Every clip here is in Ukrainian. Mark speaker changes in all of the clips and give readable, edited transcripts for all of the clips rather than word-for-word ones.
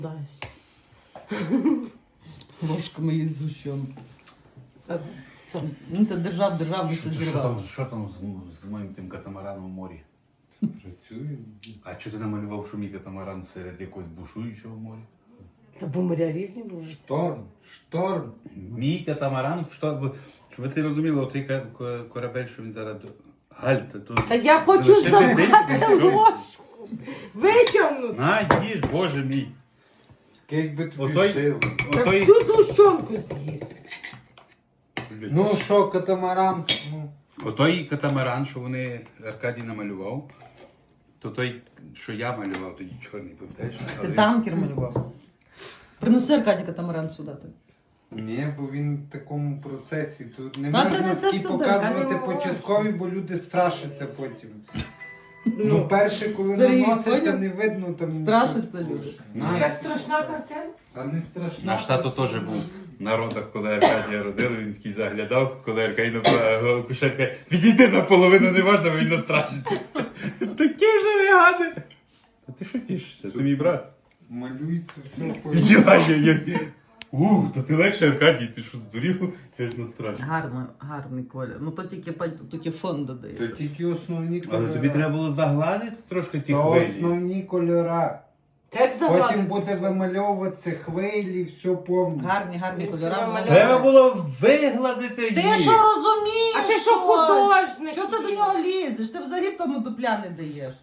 Speaker 1: Ложками із згущенки. Він це державний це зірвав.
Speaker 2: Що там з моїм тим катамараном в морі?
Speaker 3: Працює.
Speaker 2: А чого ти намалював, що мій катамаран серед якогось бушуючого моря?
Speaker 4: Та бо моря різні були.
Speaker 3: Шторм.
Speaker 2: Мій катамаран в шторм. Щоб ви розуміли, отой корабель, що він зараз... Гальта, тут...
Speaker 4: Та я хочу забрати ложку. Витягнути.
Speaker 2: На, їж, боже мій.
Speaker 3: Як би тобі
Speaker 2: Отой-
Speaker 3: шили.
Speaker 4: Та
Speaker 2: Отой...
Speaker 4: всю згущенку з'їсти.
Speaker 3: Ну що, катамаран? Ну.
Speaker 2: Отой катамаран, що вони Аркадій намалював, то той, що я малював, тоді чорний, пам'ятаєш?
Speaker 1: Ти танкер малював. Принеси Аркадій катамаран сюди.
Speaker 3: Ні, бо він в такому процесі. Тут не
Speaker 1: А
Speaker 3: можна
Speaker 1: принеси
Speaker 3: такі
Speaker 1: сюди,
Speaker 3: показувати
Speaker 4: а не можна.
Speaker 3: початкові, бо люди страшаться потім. Ну, перше, коли
Speaker 1: Сергій,
Speaker 3: наноситься,
Speaker 1: поняв?
Speaker 3: не видно там.
Speaker 1: Страшаться люди.
Speaker 4: Така страшна картина.
Speaker 3: А не страшно.
Speaker 2: Наш тато теж був на родах, коли Аркадія родили, він такий заглядав, коли Аркадій напала кушерка, відійди наполовину, не можна, бо він настрашиться. Такі вже вигади. Та ти що тішишся? Ти мій брат.
Speaker 3: Малюється все по.
Speaker 2: То ти легше, Аркадій, ти що здурів? Я ж настрашився.
Speaker 1: Гарний колір. Ну то тільки фон
Speaker 3: То
Speaker 1: додаєш.
Speaker 3: тільки основні кольори.
Speaker 2: Але тобі треба було загладити трошки ті
Speaker 3: То
Speaker 2: хвилі.
Speaker 3: основні кольора.
Speaker 4: Так
Speaker 3: Потім
Speaker 4: загладити.
Speaker 3: буде вимальовуватися хвилі, все повністю.
Speaker 1: Гарні
Speaker 4: Ну,
Speaker 1: кольори.
Speaker 4: це нормально.
Speaker 2: Треба було вигладити
Speaker 1: Ти
Speaker 2: їх.
Speaker 1: що розумієш?
Speaker 4: А ти що художник?
Speaker 1: Чого ти до нього лізеш? Ти взагалі тому дупля не даєш.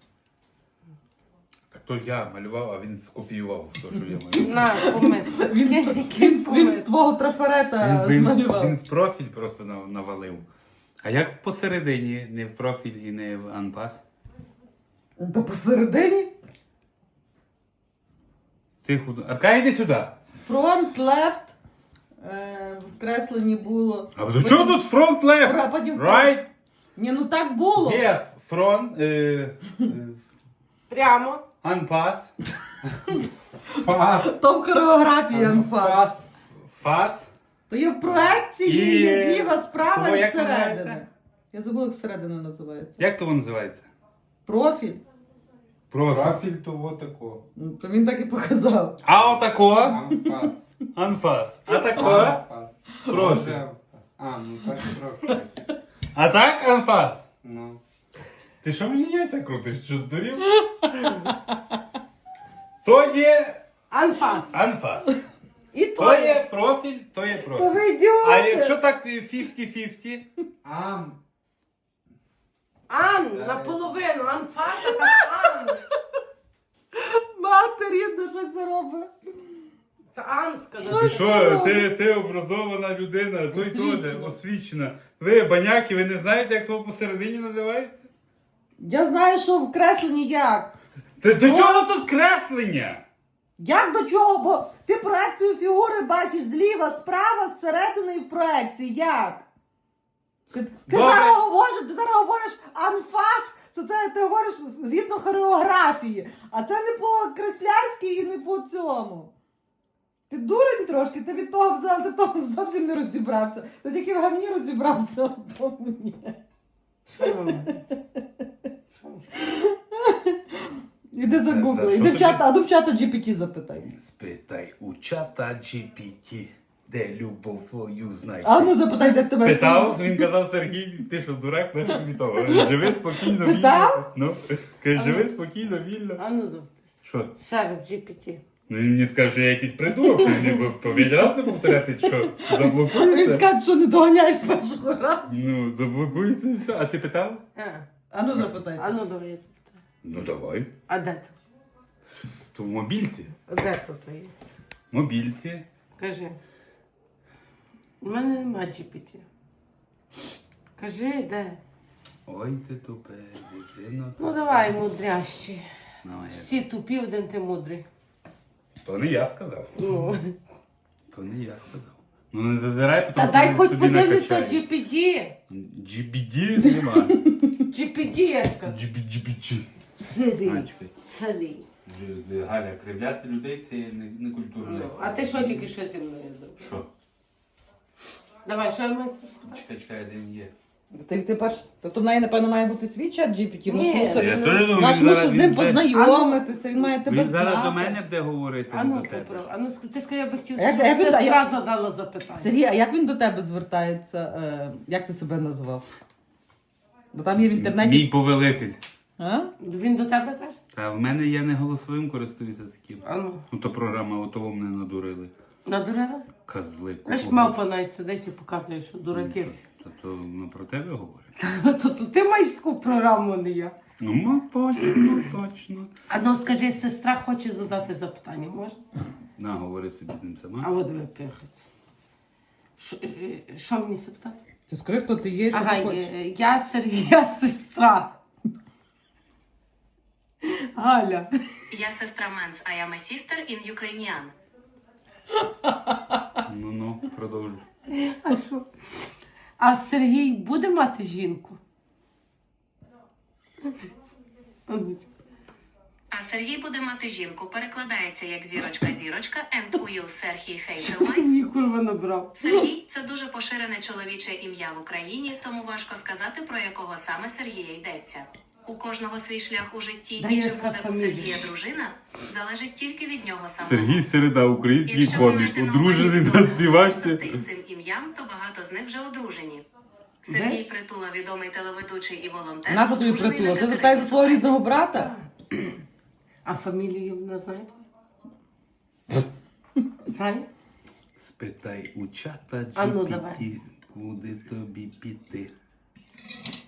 Speaker 2: Так то я малював, а він скопіював те, що я малював.
Speaker 4: На, помити.
Speaker 1: Він з твого трафарета змалював.
Speaker 2: Він в профіль просто навалив. А як посередині, не в профіль і не в анпас?
Speaker 1: Та посередині?
Speaker 2: Ти худо. Арка, йди сюди.
Speaker 1: Фронт, лефт. В кресленні було.
Speaker 2: А до чого тут фронт лефт?
Speaker 1: Потім
Speaker 2: Right?
Speaker 1: Ні, ну так було.
Speaker 2: Є фронт,
Speaker 4: Прямо.
Speaker 2: анпас,
Speaker 3: Фас.
Speaker 1: То в хореографії анфас.
Speaker 3: Фас.
Speaker 2: фас.
Speaker 1: То є в проекції,
Speaker 2: І-
Speaker 1: є зліва, справа
Speaker 2: Того
Speaker 1: і
Speaker 2: як
Speaker 1: зсередини.
Speaker 2: називається?
Speaker 1: Я забула, як зсередини називається.
Speaker 2: Як то воно називається?
Speaker 1: Профіль.
Speaker 2: Профіль.
Speaker 3: Профіль того такого.
Speaker 1: Ну, то він так і показав.
Speaker 2: А отако?
Speaker 3: Анфас.
Speaker 2: Анфас. А тако?
Speaker 3: Анфас.
Speaker 2: Профіль.
Speaker 3: Може, анфас. А, ну так профіль.
Speaker 2: А так анфас?
Speaker 3: Ну.
Speaker 2: Ти що мені яйця крутиш? Що здурів? То є
Speaker 4: Анфас.
Speaker 2: анфас.
Speaker 4: І
Speaker 2: То
Speaker 4: то
Speaker 2: є профіль, то є
Speaker 1: Та
Speaker 2: профіль.
Speaker 1: ви ідіоти!
Speaker 2: А якщо так 50-50?
Speaker 3: Ан.
Speaker 4: Ан, наполовину. Анфас, а Ан.
Speaker 1: Мати рідна, що це робить?
Speaker 4: Та Ан сказав.
Speaker 2: Ти що, ти образована людина, той
Speaker 1: Освічена.
Speaker 2: теж освічена. Ви баняки, ви не знаєте, як того посередині називається?
Speaker 1: Я знаю, що в кресленні як.
Speaker 2: Та до чого тут креслення?
Speaker 1: Як до чого? Бо ти проекцію фігури бачиш зліва, справа, зсередини і в проекції. Як? Ти
Speaker 2: Добре.
Speaker 1: зараз говориш анфас, це ти говориш згідно хореографії, а це не по креслярськи і не по цьому. Ти дурень трошки, ти від того взяв, ти в тому зовсім не розібрався. Ти тільки в гамні розібрався, а в тому ні.
Speaker 4: Що ви робите? Що ви скажете?
Speaker 1: Іди загугли,
Speaker 2: Що
Speaker 1: іди в
Speaker 2: тобі?
Speaker 1: чата, а ну в чата GPT запитай.
Speaker 2: Спитай у чата GPT, де любов твою знайти.
Speaker 1: А ну запитай, де тебе.
Speaker 2: Питав, він казав, Сергій, ти що, дурак, не тобі того. Живи спокійно, вільно.
Speaker 1: Питав?
Speaker 2: Ну, каже, живи спокійно, вільно.
Speaker 4: А ну завтра.
Speaker 2: Що?
Speaker 4: Ще раз GPT.
Speaker 2: Ну він мені скаже, що я якийсь придурок, що мені по 5 разів повторяти, що
Speaker 1: Він
Speaker 2: заблокується.
Speaker 1: скаже, що не доганяєш з першого разу.
Speaker 2: Ну, заблокується і все. А ти питав?
Speaker 1: А ну запитай.
Speaker 4: А ну давай я запитаю.
Speaker 2: Ну давай.
Speaker 4: А де це?
Speaker 2: То в мобільці.
Speaker 4: А де це є?
Speaker 2: Мобільці.
Speaker 4: Кажи. У мене нема GPT. Кажи, де?
Speaker 2: Ой, ти тупе, дитино.
Speaker 4: Ну давай, мудрящі.
Speaker 2: Ну, я-
Speaker 4: Всі тупі, один ти мудрий.
Speaker 2: То не я сказав.
Speaker 4: Ну.
Speaker 2: То не я сказав. Ну не зазирай,
Speaker 4: Та
Speaker 2: тому
Speaker 4: дай
Speaker 2: що
Speaker 4: хоч
Speaker 2: собі
Speaker 4: подивлюся
Speaker 2: накачаю.
Speaker 4: GPT.
Speaker 2: GBD нема.
Speaker 4: GPT я сказав.
Speaker 2: GBG.
Speaker 4: Сиди.
Speaker 2: Чекай.
Speaker 4: Сиди.
Speaker 2: Галя, кривляти людей це не культурно.
Speaker 4: Ну, а ти що тільки що зі мною зробив?
Speaker 2: Що?
Speaker 4: Давай, що я маю?
Speaker 2: Чекай, де він є.
Speaker 1: Ти перш. Тобто в неї, напевно, має бути свій чат GPT,
Speaker 4: Ні,
Speaker 2: Я теж думаю,
Speaker 1: наш
Speaker 2: він
Speaker 1: мусить
Speaker 2: зараз
Speaker 1: з ним
Speaker 2: він-
Speaker 1: познайомитися, він має тебе
Speaker 2: Він зараз
Speaker 1: знати.
Speaker 2: до мене буде говорити,
Speaker 4: А
Speaker 2: не
Speaker 4: ну,
Speaker 2: до тебе.
Speaker 4: поправ. А ну, ти скажи, я би хотів,
Speaker 1: Як-
Speaker 4: щоб
Speaker 1: як він-
Speaker 4: сестра
Speaker 1: як-
Speaker 4: задала запитання.
Speaker 1: Сергій, а як він до тебе звертається? Як ти себе назвав? Бо там є в інтернеті.
Speaker 2: Мій повелитель.
Speaker 1: А?
Speaker 4: Він до тебе каже?
Speaker 2: Та в мене я не голосовим користуюся таким.
Speaker 4: А ну,
Speaker 2: Ну то програма отого мене надурили.
Speaker 4: надурила?
Speaker 2: Козли.
Speaker 4: Знаєш,
Speaker 2: купили.
Speaker 4: мавпа навіть сидить і показує, що дураки всі.
Speaker 2: То ну, про тебе говорять.
Speaker 4: То ти маєш таку програму, а не я.
Speaker 2: Ну, точно, точно.
Speaker 4: А ну скажи, сестра хоче задати запитання, можна?
Speaker 2: На, говори собі з ним
Speaker 4: А
Speaker 2: сама.
Speaker 4: от ви пихать. Що мені запитати?
Speaker 1: Ти скажи, хто ти є, що
Speaker 4: Ага,
Speaker 1: ти хочеш.
Speaker 4: я Сергія сестра. Галя.
Speaker 5: Я сестра Менс, I am a sister in Ukrainian.
Speaker 2: Ну, продовжуй.
Speaker 4: А що? А Сергій буде мати жінку? А ну.
Speaker 5: А Сергій буде мати жінку. Перекладається як зірочка-зірочка, and will Сергій Хейтелай.
Speaker 4: Мені курва набрав.
Speaker 5: Сергій – це дуже поширене чоловіче ім'я в Україні, тому важко сказати, про якого саме Сергія йдеться. У кожного свій шлях у житті,
Speaker 4: Дай
Speaker 5: і
Speaker 4: я
Speaker 5: чи
Speaker 4: скажу
Speaker 5: буде у
Speaker 4: фамілію.
Speaker 5: Сергія дружина, залежить тільки від нього самого.
Speaker 2: Сергій Середа, український
Speaker 5: Якщо ви
Speaker 2: комік,
Speaker 5: маєте на
Speaker 2: одружений
Speaker 5: увазі
Speaker 2: на
Speaker 5: відомих
Speaker 2: співачці.
Speaker 5: особистостей з цим ім'ям, то багато з них вже одружені. Сергій
Speaker 4: Знаєш?
Speaker 5: Притула, відомий телеведучий і волонтер.
Speaker 1: Нащо тобі
Speaker 5: одружений
Speaker 1: притула?
Speaker 5: на
Speaker 1: Ти
Speaker 5: Катерині
Speaker 1: запитаєш за свого
Speaker 5: Сухаревій.
Speaker 1: рідного брата?
Speaker 4: А фамілію не знаєте? Знає?
Speaker 2: Спитай у чата
Speaker 4: А ну,
Speaker 2: GPT,
Speaker 4: давай.
Speaker 2: куди тобі піти.